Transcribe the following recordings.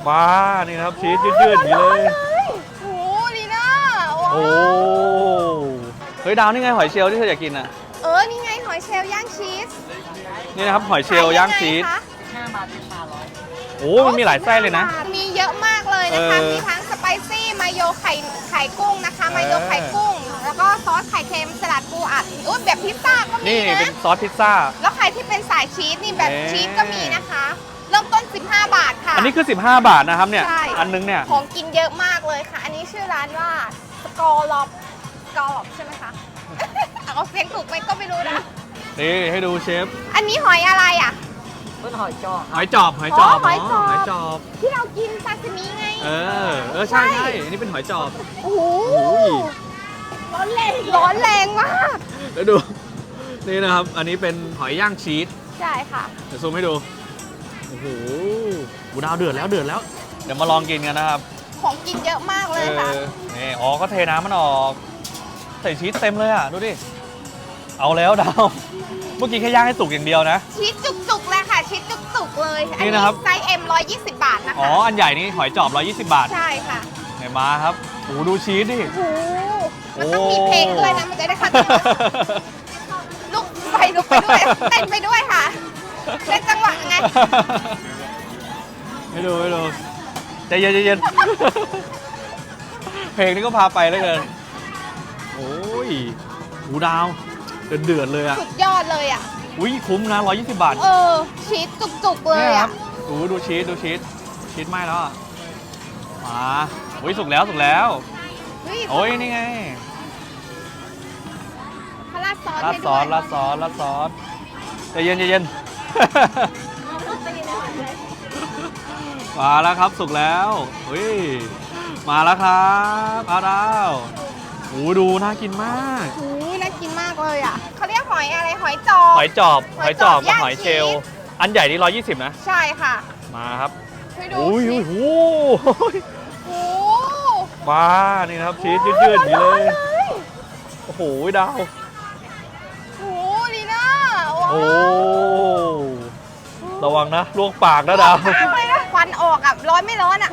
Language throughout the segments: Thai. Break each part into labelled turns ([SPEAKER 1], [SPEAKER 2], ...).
[SPEAKER 1] มานี่ครับชีสยืดๆอย่างนี้เลย
[SPEAKER 2] โอ้ลีน่า
[SPEAKER 1] โอ้เฮ้ยดาวนี่ไงหอยเชลล์ที่เธออยากกินอ่ะ
[SPEAKER 2] นี่ไงหอยเชลล์ย่างชีส
[SPEAKER 1] นี่นะครับหอยเชลล์ย่างชีส
[SPEAKER 2] ขยัไงคะ
[SPEAKER 1] โอ้มันมีหลายไส้เลยนะ
[SPEAKER 2] มีเยอะมากเลยนะคะ
[SPEAKER 1] เออ
[SPEAKER 2] มีทั้งสไปซี่มาโยไข่กุ้งนะคะ มาโยไข่กุ้ง แล้วก็ซอสไข่เค็มสลัดปูอัดอุ้ยแบบพิซซ่าก็มี
[SPEAKER 1] นี่
[SPEAKER 2] นะ
[SPEAKER 1] เป็นซอสพิซซ่า
[SPEAKER 2] แล้วใครที่เป็นสายชีสนี่แบบ
[SPEAKER 1] เอ๊ะ
[SPEAKER 2] ชีสก็มีนะคะ เริ่มต้น 15 บาทค่ะ
[SPEAKER 1] อันนี้คือ15 บาทนะครับเนี่ย
[SPEAKER 2] ใช่
[SPEAKER 1] อันนึงเนี่ย
[SPEAKER 2] ของกินเยอะมากเลยค่ะ อันนี้ชื่อร้านว่าสกอร์ล็อบใช่ไหมคะ เอาเสียงถูกไหมก็ไม่รู้นะ
[SPEAKER 1] นี่ให้ดูเชฟ
[SPEAKER 2] อันนี้หอยอะไรอ่ะ
[SPEAKER 1] หอยจอบ
[SPEAKER 2] หอยจอบ
[SPEAKER 1] หอยจอบ
[SPEAKER 2] ที่เรากินซาซิมิไง
[SPEAKER 1] ใช่ใช่อันนี้เป็นหอยจอบ
[SPEAKER 2] โอ้โห
[SPEAKER 1] โอ้ย
[SPEAKER 2] ร้อนแรงมาก
[SPEAKER 1] แล้วดู นี่นะครับ อันนี้เป็นหอยย่างชีส
[SPEAKER 2] ใช่ค่ะ
[SPEAKER 1] เดี๋ยวซูมให้ดู โอ้โหหูดาวเดือดแล้ว เดี๋ยวมาลองกินกันนะครับ
[SPEAKER 2] ของกินเยอะมากเลยค่ะ
[SPEAKER 1] นี่อ๋อก็เทน้ำมันออก ใส่ชีสเต็มเลยอ่ะ ดูดิ เอาแล้วดาว เมื่อกี้แค่ย่างให้สุกอย่างเดียวนะ
[SPEAKER 2] ชีสจุกๆเลยค่ะ ชีสจุกๆเลย อัน
[SPEAKER 1] นี่
[SPEAKER 2] นี้
[SPEAKER 1] นะครับ
[SPEAKER 2] ไซส์ M 120 บาทนะคะ
[SPEAKER 1] อ๋อ อันใหญ่นี่หอยจอบ 120 บาท
[SPEAKER 2] ใช่ค่ะ
[SPEAKER 1] ไหนมาครับโอ้โหดูชีสดิ
[SPEAKER 2] โอ้โหมันต้องมีเพลงด้วยนะ มันจะได้คัดลุกไปด้วย เต้นไปด้วยค่ะเต้นจังหวะไง
[SPEAKER 1] ให้ดูใจเย็นเพลงนี้ก็พาไปแล้วเกินโอ้ยหูดาวเดือดเลยอ่ะ
[SPEAKER 2] สุดยอดเลยอ่ะ
[SPEAKER 1] อุ้ยคุ้มนะ120 บาท
[SPEAKER 2] ชีสจุกๆเลย
[SPEAKER 1] นี่ครั
[SPEAKER 2] อ่ะ
[SPEAKER 1] บดูชีสไหม้แล้วอ่ะมาอุ้ยสุกแล้ว
[SPEAKER 2] เฮ้ย
[SPEAKER 1] โอ้ยนี่ไง
[SPEAKER 2] เขาราดซอส
[SPEAKER 1] ราด
[SPEAKER 2] ให้
[SPEAKER 1] ซ
[SPEAKER 2] ด้
[SPEAKER 1] อ
[SPEAKER 2] วย
[SPEAKER 1] สราดซอสใจเย็น มาแล้วครับสุกแล้วอุ้ยมาแล้วครับอาดาวโอ้ดูน่ากินมาก
[SPEAKER 2] โอ้ยน่ากินมากเลยอ่ะเขาเรียกหอยอะไร หอยจอบ
[SPEAKER 1] หอยจอบ
[SPEAKER 2] หอยจอบ
[SPEAKER 1] กับ
[SPEAKER 2] ย่าง
[SPEAKER 1] หอยเชลล์
[SPEAKER 2] ชีส
[SPEAKER 1] อันใหญ่นี่120นะ
[SPEAKER 2] ใช่ค่ะ
[SPEAKER 1] มาครับ
[SPEAKER 2] ช่วยดู
[SPEAKER 1] โอ้ย
[SPEAKER 2] ชี
[SPEAKER 1] โอ้
[SPEAKER 2] ส
[SPEAKER 1] โห
[SPEAKER 2] โอ้
[SPEAKER 1] มานี่นะครับชีสยืดๆอย่างนี้เลยโอ้โหดาว
[SPEAKER 2] โอ้ลีน่าว้าว
[SPEAKER 1] โอ้ระวังนะลวกปากนะดาว
[SPEAKER 2] มากเลยนะควันออกอ่ะ ร้อนไม่ร้อนอ่ะ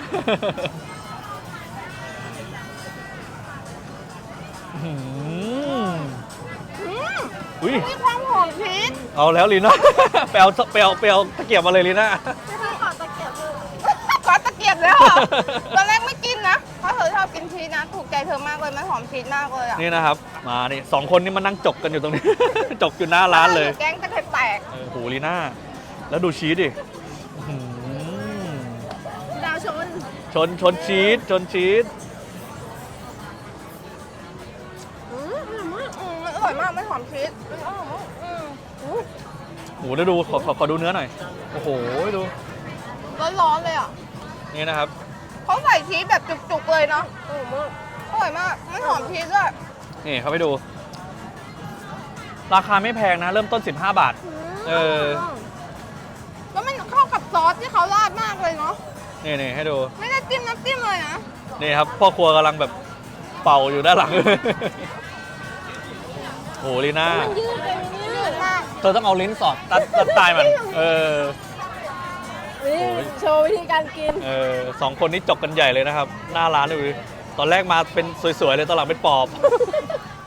[SPEAKER 1] อุ้ย
[SPEAKER 2] มีความหอมชีส
[SPEAKER 1] เอาแล้วลีน่า ไปเอาตะเกียบมาเลยลีน่า
[SPEAKER 2] ขอตะเกียบเลยเหรอ ตอนแรกไม่กินนะ เพราะเธอชอบกินชีสนะ ถูกใจเธอมากเลย มันหอมชีสมากเลยอ่ะ
[SPEAKER 1] นี่นะครับมานี่2 คนนี่มานั่งจกกันอยู่ตรงนี้ จกอยู่หน้าร้านเลย
[SPEAKER 2] แกงตะไคร้แตก
[SPEAKER 1] โอ้โหลีน่าแล้วดูชีสดิอื้อหือ
[SPEAKER 2] ดาวชน
[SPEAKER 1] ชนชีส
[SPEAKER 2] มันอร่อยมากไม่หอมชีสมันอร่อยมาก
[SPEAKER 1] โอ้โหแล้วดูขอดูเนื้อหน่อยโอ้โหดู
[SPEAKER 2] ร้อนๆเลยอ่ะ
[SPEAKER 1] นี่นะครับ
[SPEAKER 2] เขาใส่ชีสแบบจุกๆเลยเนาะอร่อยมากไม่หอมชีสด้วย
[SPEAKER 1] นี่เขาไปดู ราคาไม่แพงนะ เริ่มต้น15 บาท
[SPEAKER 2] แล้วมันเข้ากับซอสที่เขาราดมากเลยเนาะ
[SPEAKER 1] นี่ให้ดู
[SPEAKER 2] ไม่ได้จิ้มน้ำจิ้มเลยนะ
[SPEAKER 1] นี่ครับพ่อครัวกำลังแบบเป่าอยู่ด้านหลัง โหลีน่า
[SPEAKER 2] ยืดมาก
[SPEAKER 1] เธอต้องเอาลิ้นสอดตัดตายมัน
[SPEAKER 2] โชว์วิธีการกิน
[SPEAKER 1] 2 คนนี้จกกันใหญ่เลยนะครับ หน้าร้านดูดิตอนแรกมาเป็นสวยๆเลยตอนหลังเป็นปอบ